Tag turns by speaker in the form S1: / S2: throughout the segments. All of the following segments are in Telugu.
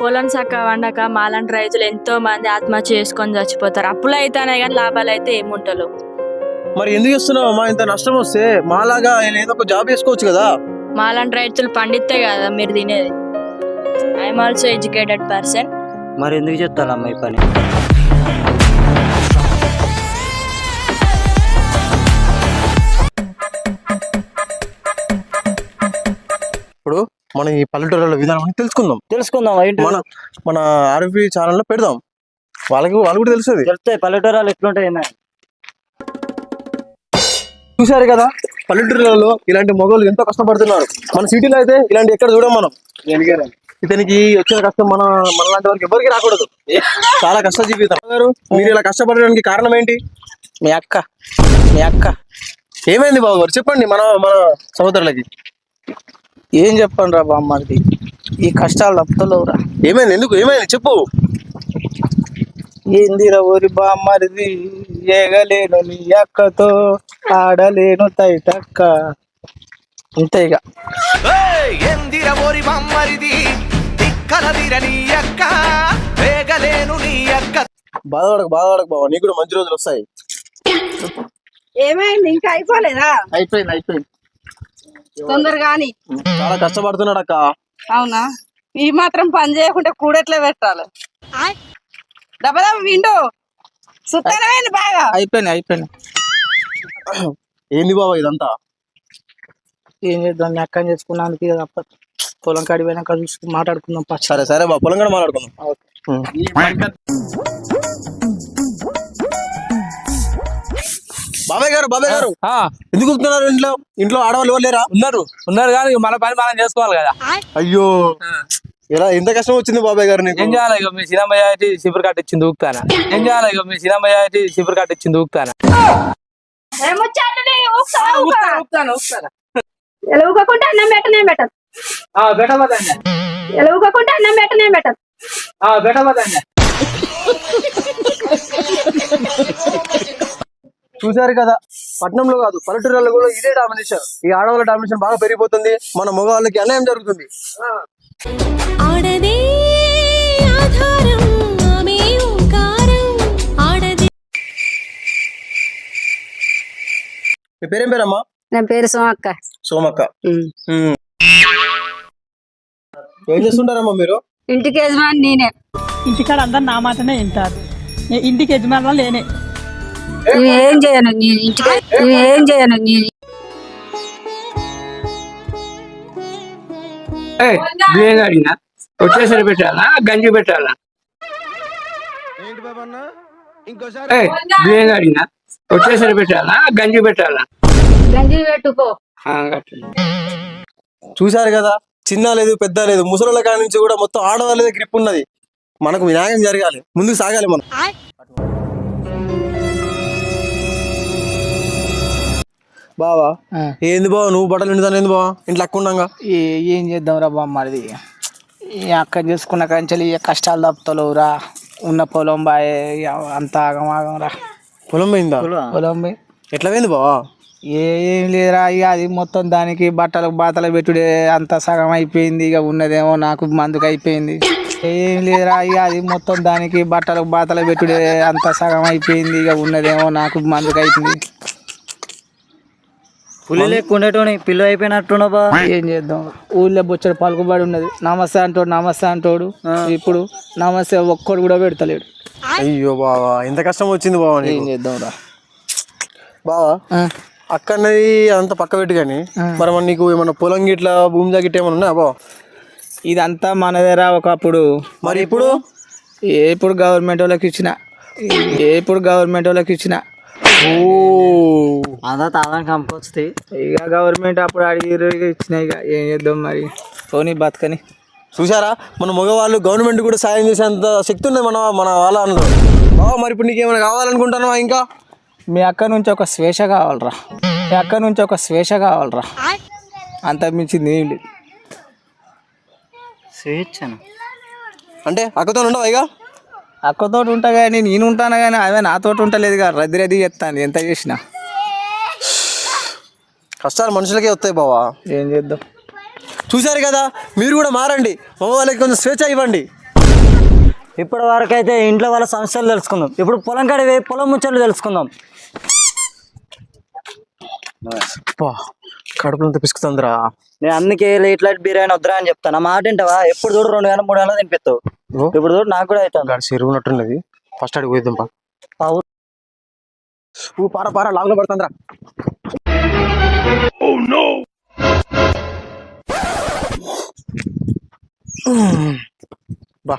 S1: పొలం చక్క వండక మాలాంటి రైతులు ఎంతో మంది ఆత్మహత్య చేసుకొని చచ్చిపోతారు. అప్పులు అయితేనే కానీ లాభాలు అయితే ఏముంటలేవు.
S2: మరి ఎందుకు ఇస్తున్నావు అమ్మా? ఇంత నష్టం వస్తే మాలాగా ఆయన ఏదో ఒక జాబ్ చేసుకోవచ్చు కదా.
S1: మాలాంటి రైతులు పండితే కదా మీరు తినేది. I'm also educated person.
S3: మరి ఎందుకు చెప్తానమ్మా ఈ పని?
S2: ఇప్పుడు మనం ఈ పల్లెటూరుల విధానం తెలుసుకుందాం. మన మన ఆర్ఎఫ్బి ఛానల్లో పెడదాం. వాళ్ళు కూడా తెలుస్తుంది.
S3: చెప్తాయి పల్లెటూరాలు ఎట్లుంటాయి.
S2: చూసారు కదా, పల్లెటూరులలో ఇలాంటి మగవాళ్ళు ఎంతో కష్టపడుతున్నారు. మన సిటీలో అయితే ఇలాంటి ఎక్కడ చూడం మనం. ఇతనికి వచ్చిన కష్టం మనలాంటి వారికి ఎవరికి రాకూడదు. చాలా కష్ట జీవితం. మీరు ఇలా కష్టపడడానికి కారణం ఏంటి?
S3: మీ అక్క
S2: ఏమైంది బాబు గారు, చెప్పండి మన సహోదరులకి.
S3: ఏం చెప్పండి రా బామ్మది, ఈ కష్టాలు తప్పుతలేవురా.
S2: ఏమైంది? ఏమైంది చెప్పు.
S3: ఏందిరా ఊరి బామ్మరిది, ఏగలేను నీ అక్కతో, ఆడలేను తైటక్క. అంతే ఇక.
S4: ఏందిరా ఊరి బామ్మరిది, దిక్కలదిర నీ అక్క, వేగలేను నీ అక్క.
S2: బాధపడకు బాబా, నీకు కూడా మంచి రోజులు వస్తాయి.
S5: ఏమైంది? ఇంకా అయిపోలేదా?
S3: అయిపోయింది.
S5: తొందరగాని.
S2: చాలా కష్టపడుతున్నాడు అక్క.
S5: అవునా? ఈ మాత్రం పని చేయకుంటే కూడెట్లా పెట్టాలి? డబ్బా విండు సుత్తనమైంది బాగా.
S3: అయిపోయింది.
S2: ఏంది బాబా ఇదంతా?
S3: ఏం చేద్దాం, మీ అక్కని చేసుకున్నానికి తప్ప. పొలం కాడి పోయినాక చూసుకుని మాట్లాడుకుందాం.
S2: సరే బాబా, పొలం కూడా మాట్లాడుకుందాం. బాబాయ్ గారు ఎందుకు కూర్చున్నారు? ఇంట్లో ఆడవాళ్ళు ఎవరు లేరా?
S6: ఉన్నారు కానీ మన పని మనం చేసుకోవాలి కదా.
S2: అయ్యో, ఎలా ఎంత కష్టం వచ్చింది బాబాయ్ గారు?
S6: ఏం చేయాలి? ఇక మీ సినిమా సిబురు కట్టించింది ఊపుతానా.
S5: ఎలుగుకుంటే అన్నం పెట్టనే పెట్టదు. ఎలుగుకుంటే అన్నం పెట్టనే పెట్టదు.
S2: చూసారు కదా, పట్టణంలో కాదు పల్లెటూరులో కూడా ఇదే డామినేషన్. ఈ ఆడవాళ్ళ డామినేషన్ బాగా పెరిగిపోతుంది. మన మగవాళ్ళకి అన్యాయం జరుగుతుంది. మీ పేరేం పేరమ్మా?
S5: నా పేరు
S2: సోమక్క. ఏం చేస్తుంటారమ్మా మీరు?
S5: ఇంటికి యజమాని నేనే.
S7: ఇంటికాడ అందరు నా మాటనే వింటారు. ఇంటికి యజమానులు లేనే.
S5: ఏం చేయను నేను ఇంటికి.
S6: బియ్యం అడిగినా వచ్చేసరి పెట్టాలా, గంజి పెట్టాలా? బియ్యం అడిగినా వచ్చేసరి పెట్టాలా, గంజి పెట్టాలా?
S5: గంజి పెట్టుకో.
S2: చూసారు కదా, చిన్న లేదు పెద్ద లేదు, ముసలిళ్ళ కాడి నుంచి కూడా మొత్తం ఆడవాళ్ళదే గ్రిప్ ఉన్నది. మనకు న్యాయం జరగాలి, ముందుకు సాగాలి మనం. బావా ఏంది బావ, నువ్వు బట్టలు నిండుతాను ఏంది బావా ఇంట్లో అక్కుండగా?
S3: ఏం చేద్దాం రా బామ్మది, ఈ అక్కని చేసుకున్న కంచెలు కష్టాలు తప్పుతలేవురా. ఉన్న పొలం బాయ్ అంత ఆగమాగం రా.
S2: పొలం పోయిందా?
S3: పొలం పోయి
S2: ఎట్లా పోయింది బావా?
S3: ఏం లేదురా, ఇక అది మొత్తం దానికి బాతలు పెట్టుడే అంత సగం అయిపోయింది. ఇక ఉన్నదేమో నాకు మందుకు అయిపోయింది. ఏం లేదురా, ఇక అది మొత్తం దానికి బాతలు పెట్టుడే అంత సగం అయిపోయింది. ఇక ఉన్నదేమో నాకు మందుకు అయిపోయింది.
S8: పులి లేకుండేటోని పిల్ల అయిపోయినట్టున్నా బా.
S3: ఏం చేద్దాం, ఊళ్ళో బొచ్చడు పలుకుబడి ఉన్నది. నమస్తే అంటోడు ఇప్పుడు నమస్తే ఒక్కడు కూడా పెడతలేడు.
S2: అయ్యో బావా, ఎంత కష్టం వచ్చింది బావా.
S3: ఏం చేద్దాం రా
S2: బావా, అక్కడది అంత పక్క పెట్టు కానీ మరి నీకు ఏమన్నా పొలం గిట్లా భూమి జాగిట్లా ఏమన్నా ఉన్నా బావా?
S3: ఇదంతా మనదేరా ఒకప్పుడు.
S2: మరి ఇప్పుడు
S3: గవర్నమెంట్ వాళ్ళకి ఇచ్చిన.
S8: అంతా తాదానికి అమ్ముకొస్తాయి.
S3: ఇక గవర్నమెంట్ అప్పుడు అడిగి ఇచ్చినాయి. ఇక ఏం చేద్దాం మరి, పోనీ బతకని.
S2: చూసారా, మన మగవాళ్ళు గవర్నమెంట్ కూడా సాయం చేసేంత శక్తి ఉంది మన వాళ్ళ అన్నారు బావా. మరి ఇప్పుడు నీకేమైనా కావాలనుకుంటున్నావా? ఇంకా
S3: మీ అక్క నుంచి ఒక స్వేచ్ఛ కావాలరా. అంత మించింది ఏం లేదు.
S8: స్వేచ్ఛను
S2: అంటే అక్కతో ఉండవా? ఇక
S3: అక్కతో ఉంటా కానీ నేను ఉంటాను కానీ అదే నాతో ఉంటలేదు కదా. రద్దీ చేస్తాను ఎంత చేసినా.
S2: కష్టాలు మనుషులకే వస్తాయి బావా.
S3: ఏం చేద్దాం.
S2: చూశారు కదా, మీరు కూడా మారండి. మగవాళ్ళకి కొంచెం స్వేచ్ఛ ఇవ్వండి.
S8: ఇప్పటి వరకు అయితే ఇంట్లో వాళ్ళ సమస్యలు తెలుసుకుందాం. ఇప్పుడు పొలం కాడికి పోయి పొలం ముచ్చట్లు తెలుసుకుందాం.
S2: కడుపులంతా పిసుకుతుందిరా.
S8: నేను అందుకే లేట్ లైట్ బిర్యానీ వద్దురా అని చెప్తాను. నా మాట వింటావా? ఎప్పుడు చూడు 2 గంటలు 3 గంటలు తినిపిస్తావు. ఇప్పుడు చూడు నాకు కూడా అవుతాను.
S2: గాడి చెరువు ఉన్నట్టున్నది. ఫస్ట్ అడిగి పోయిద్దాం పా. పారా లాగులో పడుతుందిరా. బా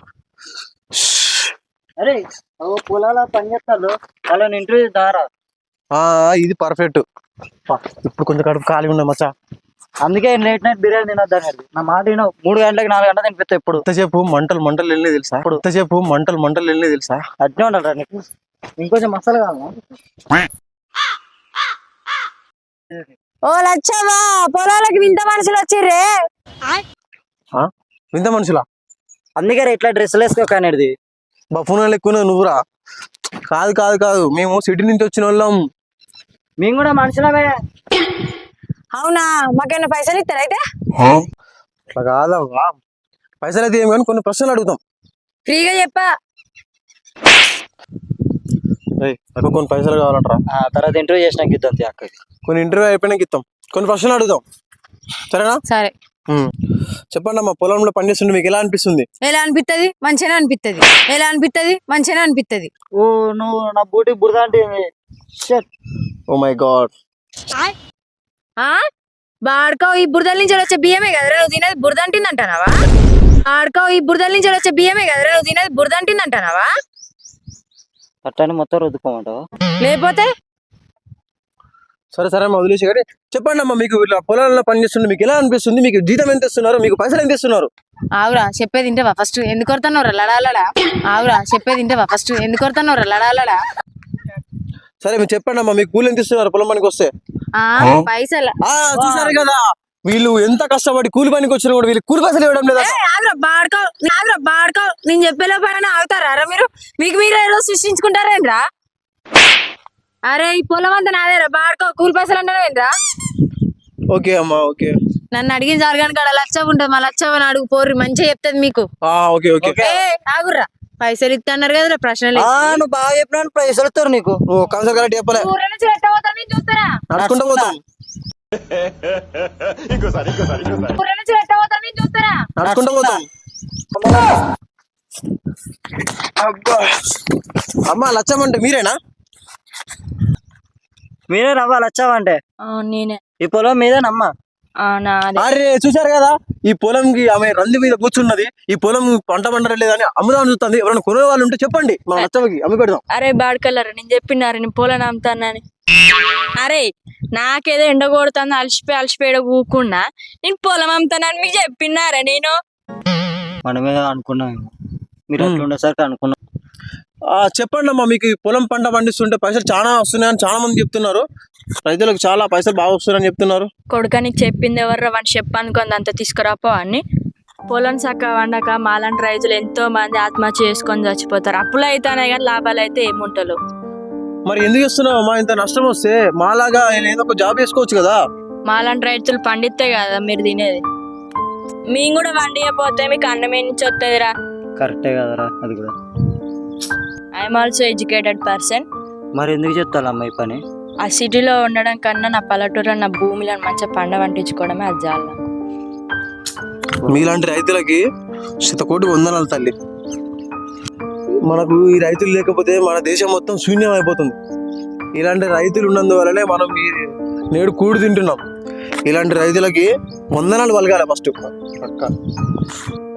S8: అరే పొలాల పని చేస్తారు వాళ్ళని ఇంటర్వ్యూ దారా.
S2: ఇది పర్ఫెక్ట్. ఇప్పుడు కొంచెం కడుపు ఖాళీ ఉన్నాయి మచ్చా.
S8: అందుకే లేట్ నైట్ బిర్యానీ తినొద్దని. నా మాట వినవు. 3 గంటలకు 4 గంటలు తినిపిస్తావు. ఇప్పుడు
S2: ఎంతసేపు మంటలు వెళ్ళి తెలుసా? ఎంతసేపు మంటలు వెళ్ళి తెలుసా?
S8: అట్నే ఉండాలి నీకు. ఇంకొంచెం మసాలా కావాలా?
S5: ఓ లచ్చవ్వా, పొలాలకు వింత మనుషులు వచ్చిర్రే.
S2: వింత మనుషులా?
S8: అందుకే ఇట్లా డ్రెస్సులు వేసుకోకనేది.
S2: బఫూనాలు ఎక్కువ నువ్వురా. కాదు మేము సిటీ నుంచి వచ్చిన వాళ్ళం.
S8: మేము కూడా మనుషులమే.
S5: అవునా, మాకేమైనా పైసలు ఇస్తారా అయితే?
S2: అట్లా కాదవ్వా, పైసలు అయితే ఏమి కానీ కొన్ని ప్రశ్నలు అడుగుతాం.
S5: ఫ్రీగా చెప్పా.
S2: నాకు కొన్ని పైసలు కావాలంటారా?
S8: తర్వాత ఇంటర్వ్యూ చేసినాక ఇద్దాం అక్కకి.
S2: కొన్ని ఇంటర్వ్యూ అయిపోయినాక ఇస్తాం. కొన్ని ప్రశ్నలు అడుగుతాం, సరేనా?
S5: సరే
S2: చెప్పండి అమ్మా, పొలంలో పనిచేస్తుంటే మీకు ఎలా అనిపిస్తుంది?
S5: ఎలా అనిపిస్తుంది? మంచిగా అనిపిస్తుంది. ఎలా అనిపిస్తుంది? మంచిగా అనిపిస్తుంది.
S8: ఓ నువ్వు నా బూటి బురద అంటే
S2: ఓ మై గాడ్.
S5: బాడుకో, ఈ బురదల నుంచి వచ్చే బియ్యమే కదరా నువ్వు తినేది బురద అంటుందంటానావా? ఆడుకో, ఈ బురదల నుంచి వచ్చే బియ్యమే కదరా నువ్వు తినేది బురద అంటుందంటానావా?
S8: అట్లని మొత్తం రుద్దుకోమంటావా?
S5: లేకపోతే
S2: సరే అమ్మా, వదిలేసి కానీ చెప్పండి అమ్మా, మీకు ఇట్లా పొలాల్లో పనిచేస్తుంటే మీకు ఎలా అనిపిస్తుంది? మీకు జీతం ఎంత ఇస్తున్నారు? మీకు పైసలు ఎంత ఇస్తున్నారు?
S5: ఆవురా చెప్పేది ఇంటవా ఫస్ట్? ఎందుకు కొడుతున్నావురా లడాలడా? ఆవురా చెప్పేది ఇంటవా ఫస్ట్? ఎందుకు కొడుతున్నావురా లడాలడా?
S2: సరే మీరు చెప్పండి అమ్మా, మీకు కూలి ఎంత ఇస్తున్నారు పొలం పనికి వస్తే?
S5: పైసలు
S2: చూసారు కదా, వీళ్ళు ఎంత కష్టపడి కూలి పనికి వచ్చినా కూడా వీళ్ళు కూలి పైసలు ఇవ్వడం లేదా?
S5: బాడుకో నేను చెప్పేలో పైన ఆగుతారా మీరు? మీకు మీరు ఏదో సృష్టించుకుంటారేంద్రా? అరే ఈ పొలం అంతా నాదేరా, బాడుకో కూలి పైసలు అంటారా?
S2: ఓకే అమ్మా, ఓకే.
S5: నన్ను అడిగిన జరగాను కాడ లచ్చ ఉంటుంది, మా లచ్చవని అడుగు పోర్రి, మంచిగా చెప్తుంది మీకు.
S2: ఓకే
S5: ఆగుర్రా, పైసలు ఇస్తున్నారు కదరా, ప్రశ్నలు
S8: నువ్వు బాగా చెప్పినా పైసలు ఇస్తారు నీకు.
S2: కన్సల్ కరెక్ట్ చెప్పలే.
S5: చూస్తారా
S2: నడుచుకుంటూ పోతాం. నడుచుకుంటూ పోతాం. అమ్మా లచ్చమంటే మీరేనా?
S8: మీరే నవ్వాలి వచ్చావంటే
S1: నేనే.
S8: ఈ పొలం మీదేనమ్మా.
S2: అరే చూసారు కదా, ఈ పొలంకి ఆమె రంది మీద కూర్చున్నది. ఈ పొలం పంట పండలేదని అమ్ముదామని చూస్తుంది. ఎవరైనా కొనే వాళ్ళు ఉంటే చెప్పండి, మన లచ్చమ్మకి అమ్మి పెడదాం.
S1: అరే బాడుకల్లరా, నేను చెప్పినారు నేను పొలం అమ్ముతానని. అరే నాకేదో ఎండ కొడుతుంది, అలసిపోయి కూకున్నా నేను పొలం అమ్ముతానని మీకు చెప్పినారా? నేను
S8: మనమే అనుకున్నాం, మీరు అట్లా ఉండేసరికి అనుకున్నాం.
S2: చెప్పండి అమ్మా, మీకు పొలం పంట పండిస్తుంటే పైసలు చాలా వస్తున్నాయని చాలా మంది చెప్తున్నారు. రైతులకు చాలా పైసలు బాగా వస్తున్నాయని చెప్తున్నారు.
S1: కొడుక నీకు చెప్పింది ఎవర్రా? వాడిని చెప్పనుకుంది అంత తీసుకురాపో అని. పొలం సక్క వండక మాలాంటి రైతులు ఎంతో మంది ఆత్మహత్య చేసుకొని చచ్చిపోతారు. అప్పులు అయితేనే కానీ లాభాలు అయితే ఏముంటలు.
S2: మరి ఎందుకు ఇస్తున్నావు అమ్మా? ఇంత నష్టం వస్తే మాలాగా ఏదో ఒక జాబ్ చేసుకోవచ్చు కదా. మాలాంటి
S1: రైతులు పండితే కదా మీరు తినేది. మేము కూడా వండియపోతే మీకు అన్నమే నుంచి వస్తుందిరా.
S8: కరెక్టే కదరా అది కూడా.
S1: I'm also educated person.
S8: మరి ఎందుకు చెప్తాను అమ్మాయి పని?
S1: ఆ సిటీలో ఉండడం కన్నా నా పల్లెటూరు నా భూమిలో మంచిగా పండ వండించుకోవడమే అది చాలా.
S2: మీలాంటి రైతులకి 100 కోటి వందనాలు తల్లి. మనకు ఈ రైతులు లేకపోతే మన దేశం మొత్తం శూన్యం అయిపోతుంది. ఇలాంటి రైతులు ఉన్నందువల్లనే మనం నేడు కూడి తింటున్నాం. ఇలాంటి రైతులకి వందనాలు పలకాలి ఫస్ట్.